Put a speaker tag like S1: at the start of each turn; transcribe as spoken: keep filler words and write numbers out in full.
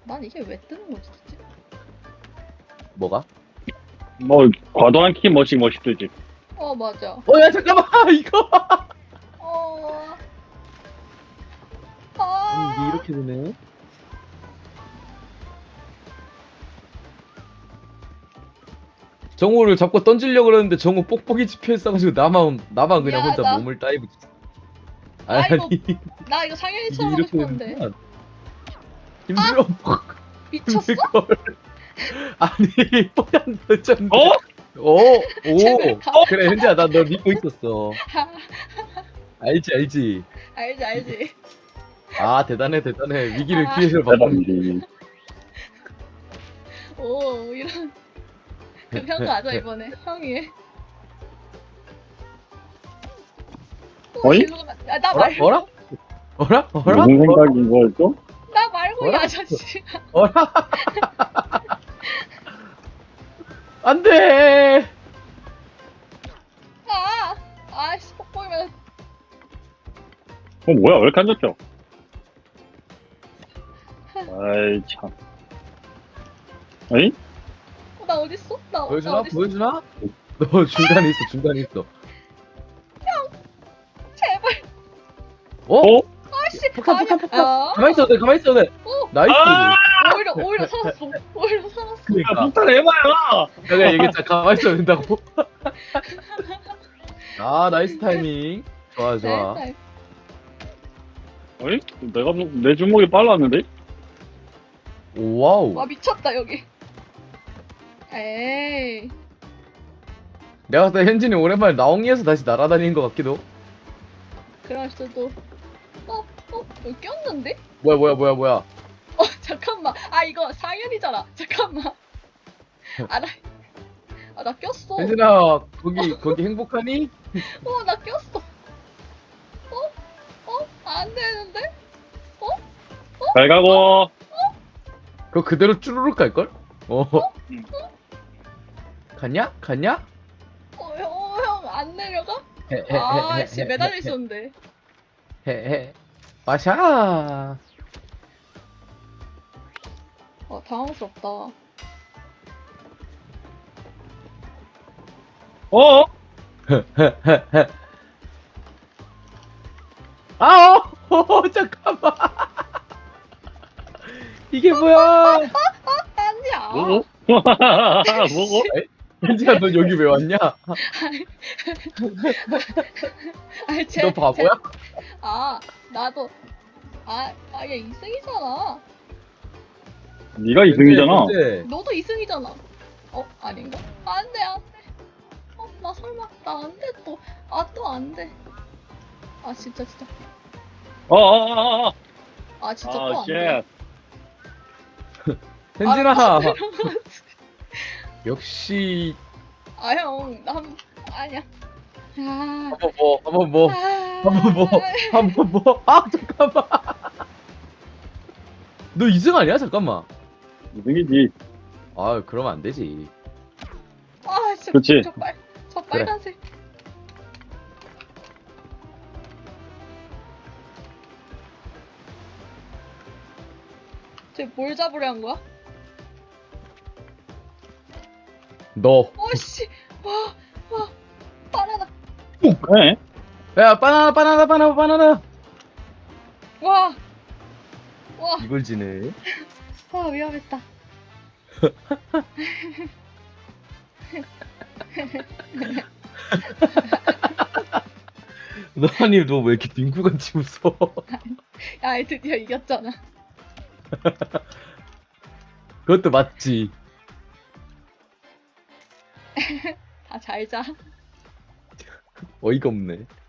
S1: 난 이게 왜 뜨는 거지, 진짜?
S2: 뭐가?
S3: 뭐 과도한 키 멋이 멋있듯이.
S1: 어, 맞아.
S2: 어, 야, 잠깐만, 이거.
S1: 어.
S2: 아니, 이게
S1: 아.
S2: 이렇게 되네. 정우를 잡고 던지려고 그러는데 정우 뽁뽁이 집혀있어가지고 나만, 나만 그냥 혼자
S1: 미안하다.
S2: 몸을 다이브.
S1: 아이고,
S2: 아니,
S1: 나 이거
S2: 이게
S1: 상현이처럼 하고
S2: 이렇게
S1: 싶었는데.
S2: 되는구나. 힘들어.
S1: 미쳤어?
S2: 그걸. 아니, 뽀얀 던졌는데.
S3: 어?
S2: 오, 오.
S1: 제발 가.
S2: 그래, 현지야, 나 너 믿고 있었어. 알지, 알지.
S1: 알지, 알지.
S2: 아, 대단해, 대단해. 위기를
S1: 아.
S2: 기회로 바꾼.
S3: 대단지.
S1: 오, 이런. 그 형 가자, 이번에. 형이 해. 오,
S3: 어이?
S1: 일로 가면- 아, 나
S2: 어라?
S1: 말고.
S2: 어라? 어라? 어라?
S3: 무슨 생각인 거였죠?
S1: 나 말고, 이
S2: 어라?
S1: 아저씨.
S2: 어라? 안 돼!
S1: 아! 아이씨, 뻑뻑이면.
S3: 어 뭐야 왜 이렇게 안 졌죠? 아이 참. 어이?
S1: 어, 나 어딨어? 나, 나
S2: 보여주나?
S1: 어딨어?
S2: 보여주나? 너 중간에 있어, 중간에 있어.
S1: 제발.
S2: 어?
S3: 어?
S1: 아이씨.
S2: 폭탄,
S1: 아니야.
S2: 폭탄, 폭탄.
S1: 아.
S2: 가만히 있어도 돼, 가만히 있어도 돼.
S1: 오,
S2: 나이스.
S3: 아!
S1: 오히려, 오히려 살았어. 오히려 살았어.
S3: 야
S2: 그니까.
S3: 폭탄 해봐요.
S2: 내가 얘기했잖아, 가만히 있어도 된다고. 아, 나이스 타이밍. 좋아, 좋아.
S1: 네, 네.
S3: 어이? 내가 뭐- 내 주먹이 빨랐는데?
S2: 와우.
S1: 와, 미쳤다, 여기. 에이.
S2: 내가 봤을 때 현진이 오랜만에 나옹이에서 다시 날아다니는 것 같기도.
S1: 그럴 수도. 어, 어, 여기 꼈는데?
S2: 뭐야, 뭐야, 뭐야, 뭐야.
S1: 어, 잠깐만. 아, 이거 상현이잖아. 잠깐만. 아, 나, 아, 나 꼈어. 어,
S2: 현진아, 거기, 거기 행복하니?
S1: 나 꼈어. 어? 어? 안 되는데?
S3: 잘 가고.
S2: 그거 그대로 쭈루룩 갈걸? 어.
S3: 응.
S2: 갔냐? 갔냐?
S1: 어, 형, 어, 형, 안 내려가?
S2: 헤, 헤,
S1: 아,
S2: 헤,
S1: 씨,
S2: 헤,
S1: 매달려
S2: 헤,
S1: 있었는데.
S2: 헤, 헤. 마샤.
S1: 어, 당황스럽다.
S3: 어?
S2: 아, 어, 어, 잠깐만. 이게 뭐야?
S1: 아니야.
S3: 뭐고? 뭐고?
S2: 현진아, 너 여기 왜 왔냐?
S1: 아니, 제,
S2: 너 바보야?
S1: 제, 아, 나도. 아, 아, 얘 이승이잖아.
S3: 네가 이승이잖아.
S2: 현재,
S1: 너도 이승이잖아. 어, 아닌가? 안 돼, 안 돼. 어, 나 설마, 나 안 돼, 또. 아, 또 안 돼. 아, 진짜, 진짜.
S3: 어어어어.
S1: 아, 진짜
S3: 아
S1: 또 안
S3: 쉣.
S1: 돼.
S2: 현진아.
S1: 아,
S2: 역시
S1: 아, 형, 나 한, 아니야. 아,
S2: 한번 뭐, 한번 뭐,
S1: 아,
S2: 한번 뭐, 한번 뭐. 아, 잠깐만. 너 이승 아니야? 잠깐만.
S3: 이승이지.
S2: 아, 그러면 안 되지.
S1: 아, 진짜.
S3: 그치.
S1: 저 빨, 저 빨간색. 쟤 뭘 잡으려 한 거야?
S2: 너.
S1: 어씨, 와, 와, 바나나,
S3: 네.
S2: 야, 바나나, 바나나, 바나나, 바나나.
S1: 와, 와,
S2: 이걸 지네.
S1: 와, 위험했다.
S2: 너 아니, 너 왜 이렇게 딩구같이 웃어?
S1: 야, 드디어 이겼잖아.
S2: 그것도 맞지.
S1: 다 잘 자.
S2: 어이가 없네.